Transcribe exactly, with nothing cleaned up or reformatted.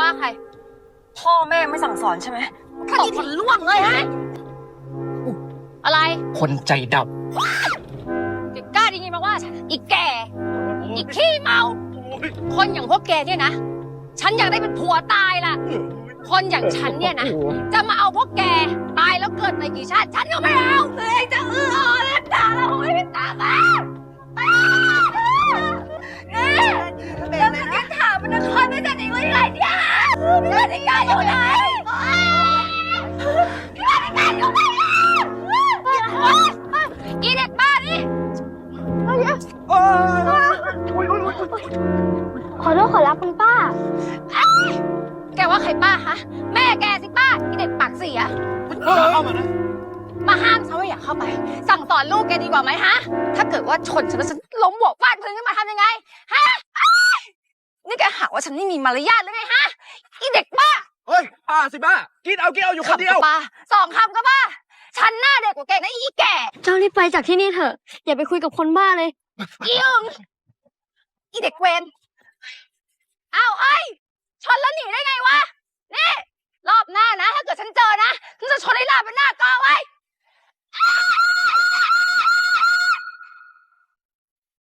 ว่าใครพ่อแม่ไม่สั่งสอนใช่ไหมตบคนล่วงเลยฮะอะไรคนใจดแกกล้าดีงี้มาว่าฉันอีกแกอีกขี้เมาคนอย่างพวกแกเนี่ยนะฉันอยากได้เป็นผัวตายล่ะคนอย่างฉันเนี่ยนะจะมาเอาพวกแกตายแล้วเกิดในกี่ชาติฉันก็ไม่เอาเลยจะเอออเล่นด่าเราไม่เป็นตาบ้าแล้วจะกินถามมันนครไม่จะหนีไปไหนเนี่ยพี่วันนิกาอยู่ไหนพี่วันนิกาอยู่ไหนอีเด็กบ้านี่ขอโทษขอรับคุณป้าแกว่าใครป้าคะแม่แกสิป้าอีเด็กปากเสียเข้ามานะมาห้ามฉันว่าอย่าเข้าไปสั่งสอนลูกแกดีกว่าไหมฮะถ้าเกิดว่าชนฉันแล้วฉันล้มหัวฟาดพื้นขึ้นมาทำยังไงฮะนี่แกหาว่าฉันไม่มีมารยาทหรือไงฮะอีเด็กบ้าเฮ้ยป้าสิบ้ากินเอากินเอาอยู่คนเดียวป้าสองคำก็บ้าฉันหน้าเด็กกว่าแกนะอีแก่เจ้ารีบไปจากที่นี่เถอะอย่าไปคุยกับคนบ้าเลยอีอึงอีเด็กเวนอ้าวเอ้ยชนแล้วหนีได้ไงวะนี่รอบหน้านะถ้าเกิดฉันเจอนะฉันจะชนให้ลาบเป็นหน้ากอไว้